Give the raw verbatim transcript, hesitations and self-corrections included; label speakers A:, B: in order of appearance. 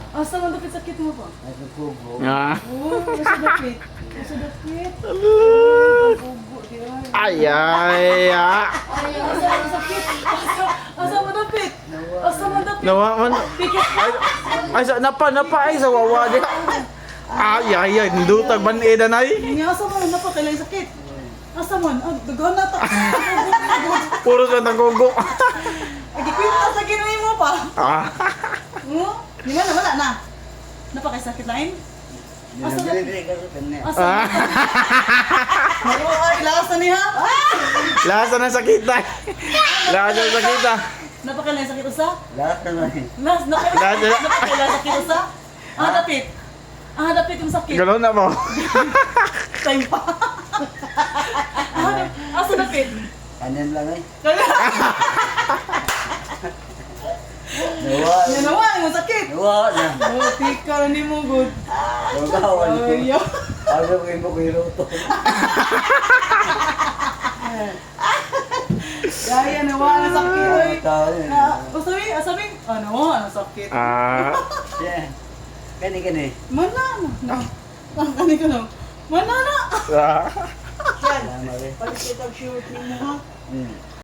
A: Asa man dapit sakit mo pa?
B: Ay, nagkugo.
C: Ah.
A: Oh, nasa dapit. Nasa dapit. Pugo, di ay.
C: Ay, ay, ah.
A: Ay, asa man sakit? Asa, asa man dapit? Asa man dapit?
C: Nawa man.
A: Pikit ka?
C: Ay, sa, napa, napa, ay, sa wawa di. Ay, ay, ay, ndutag man edan ay.
A: Nga, asa man napa kailan sakit? Asa man? Ah, dagan na ta.
C: Puro sa nagugo.
A: Ay, gikwinta sa kinuwi mo pa.
C: Ah.
A: Mo? Di ba na wala na? Napa kay sakit lain? Asa na?
B: Dili-dili ka sa kanya.
A: Asa na? Ay, ay, lakas na niya.
C: Lasa ng sakit ay. Lasa ng sakit ah.
A: Napa kailan sakit usa?
B: Lahat na lang.
A: Nas, napa
C: Lahat na-
A: napa kailan sakit usa? Ah, dapit. Ah, dapit yung sakit.
C: Galon na mo.
A: Time pa. Ah, asa dapit?
B: Kanan lang eh.
A: Kaya,
B: Nawa.
A: yan nawa, yung sakit.
B: Nawa na.
A: Oh, tika ni mo good.
B: Magawan ko.
A: Ay, yo.
B: Ano ko yung bukiruto.
A: Kaya nawa na sakit. Ay.
B: Tao yun.
A: Ah, o sabi, ah, sabi, ah, nawa na sakit.
C: Ah.
B: Yeah. Kani kani.
A: Mana na. Ang kani ko na. Mana na.
C: Ah.
A: Yan.
B: Tama rin.
A: Palikit ang shoot ni mo ha.
B: Hmm.